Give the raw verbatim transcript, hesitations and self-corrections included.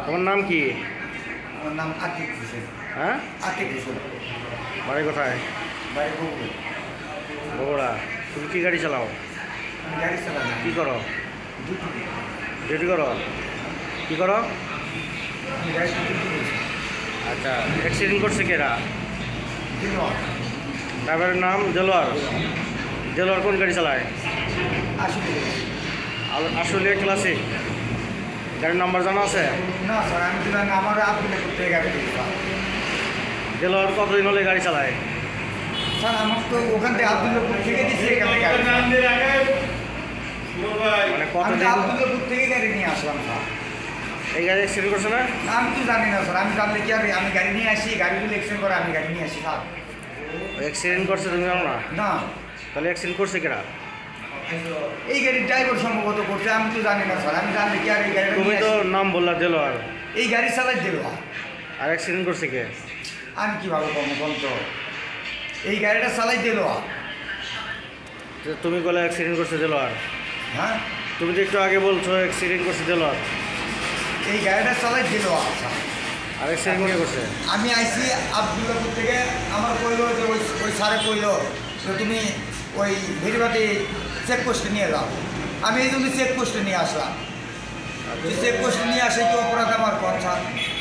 তোমার নাম কি? আমার নাম আতিক হোসেন। হ্যাঁ, আতিক হোসেন। বাড়ি কোথায়? বাড়ি বগুড়া। বগুড়া। তুমি কি গাড়ি চালাও? আমি গাড়ি চালাই না। কি করো? ডিউটি। ডিউটি করো? কি করো? আমি গাড়িতে ডিউটি করছি। আচ্ছা, অ্যাক্সিডেন্ট করছে কেরা? দিলওয়ার। ড্রাইভারের নাম দেলোয়ার। দেলোয়ার কোন গাড়ি চালায়? আশি টাকা। আল- আসলে ক্লাসিক। গাড়ির নাম্বার জানা আছে? না স্যার, আমি তো জানি না, আমার আব্দুল্লাহ করতে গাড়ি দিই স্যার। দেলোয়ার কতদিন হলে গাড়ি চালায়? স্যার আমার তো ওখান থেকে আব্দুল্লাহপুর থেকে দিচ্ছি এখান থেকে গাড়ি। মানে আমি তো কতদিন? আব্দুল্লাহপুর থেকে গাড়ি নিয়ে আসলাম স্যার। এই গাড়ি অ্যাক্সিডেন্ট করছে না? না, আমি তো জানি না স্যার, আমি জানলে কি আর আমি গাড়ি নিয়ে আসি, গাড়িগুলো এক্সচেঞ্জ করে আমি গাড়ি নিয়ে আসি স্যার। অ্যাক্সিডেন্ট করছে তুমি জানো না? না, তাহলে অ্যাক্সিডেন্ট করছে কেরা? এই গাড়ির ড্রাইভার সম্ভবত করছে, আমি তো জানি না স্যার, আমি জানলে কি আর এই গাড়িটা তুমি নিয়ে তো আসি। নাম বললা দেলোয়ার, এই গাড়ি চালাই দিল। আর অ্যাক্সিডেন্ট করছে কে? আমি কীভাবে কম কম তো এই গাড়িটা চালাই দিল। তো তুমি বলে অ্যাক্সিডেন্ট করছে দেলোয়ার। হ্যাঁ, তুমি তো একটু আগে বলছো অ্যাক্সিডেন্ট করছে দেলোয়ার, এই গাড়িটা চালাই দিল। আচ্ছা, আর অ্যাক্সিডেন্ট কে করছে? আমি আইসি আব্দুল্লাপুর থেকে, আমার কইল যে ওই ওই স্যারে কইল যে তুমি ওই ভেরিবাটি চেকপোস্টে নিয়ে যাও। আমি এই জন্য চেকপোস্টে নিয়ে আসলাম। চেকপোস্টে নিয়ে আসে কি অপরাধ আমার কথা?